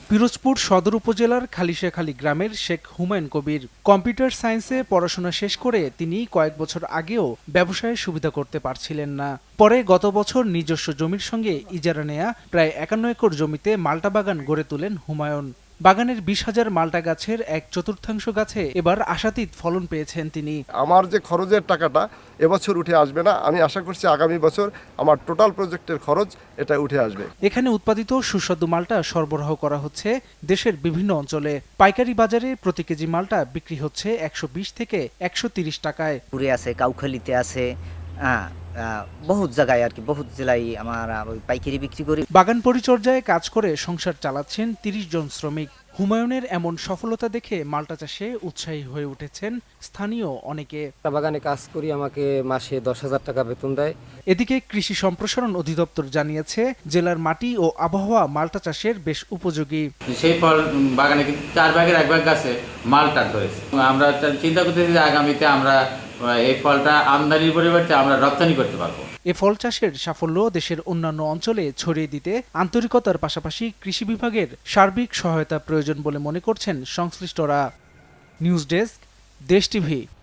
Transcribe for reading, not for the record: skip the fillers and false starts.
পিরোজপুর সদর উপজেলার খালিশাখালী গ্রামের শেখ হুমায়ুন কবির কম্পিউটার সায়েন্সে পড়াশোনা শেষ করে তিনি কয়েক বছর আগেও ব্যবসায়ের সুবিধা করতে পারছিলেন না। পরে গত বছর নিজস্ব জমির সঙ্গে ইজারা নেয়া প্রায় ৫১ একর জমিতে মাল্টা বাগান গড়ে তোলেন হুমায়ুন। বাগানের ২০,০০০ মাল্টা গাছের ১/৪ গাছে এবার আশাতীত ফলন পেয়েছেন তিনি। আমার যে খরচের টাকাটা এবছর উঠে আসবে না, আমি আশা করছি আগামী বছর আমার টোটাল প্রজেক্টের খরচ এটা উঠে আসবে। এখানে উৎপাদিত সুস্বাদু মাল্টা সরবরাহ করা হচ্ছে দেশের বিভিন্ন অঞ্চলে। পাইকারি বাজারে প্রতি কেজি মাল্টা বিক্রি হচ্ছে ১২০ থেকে ১৩০ টাকায়। পুরে আছে, কাউখালীতে আছে, বহুত জায়গায় আর কি, বহুত জেলায় আমার ওই পাইকারি বিক্রি করি। বাগান পরিচর্যায় কাজ করে সংসার চালাচ্ছেন ৩০ জন শ্রমিক। হুমায়ুনের এমন সফলতা দেখে মাল্টা চাষে উৎসাহী হয়ে উঠেছেন স্থানীয় অনেকে। বাগানে কাজ করি, আমাকে মাসে ১০,০০০ টাকা বেতন দেয়। এদিকে কৃষি সম্প্রসারণ অধিদপ্তর জানিয়েছে জেলার মাটি ও আবহাওয়া মাল্টা চাষের বেশ উপযোগী। সেই ফল বাগানে কিন্তু ৪ ভাগের ১ ভাগ গাছে মালটা ধরেছে। আমরা চিন্তা করতেছি যে আগামীতে আমরা এই ফলটা আমদানির পরিবর্তে আমরা রপ্তানি করতে পারবো। এ ফল চাষের সাফল্য দেশের অন্যান্য অঞ্চলে ছড়িয়ে দিতে আন্তরিকতার পাশাপাশি কৃষি বিভাগের সার্বিক সহায়তা প্রয়োজন বলে মনে করছেন সংশ্লিষ্টরা। News desk, Desh TV.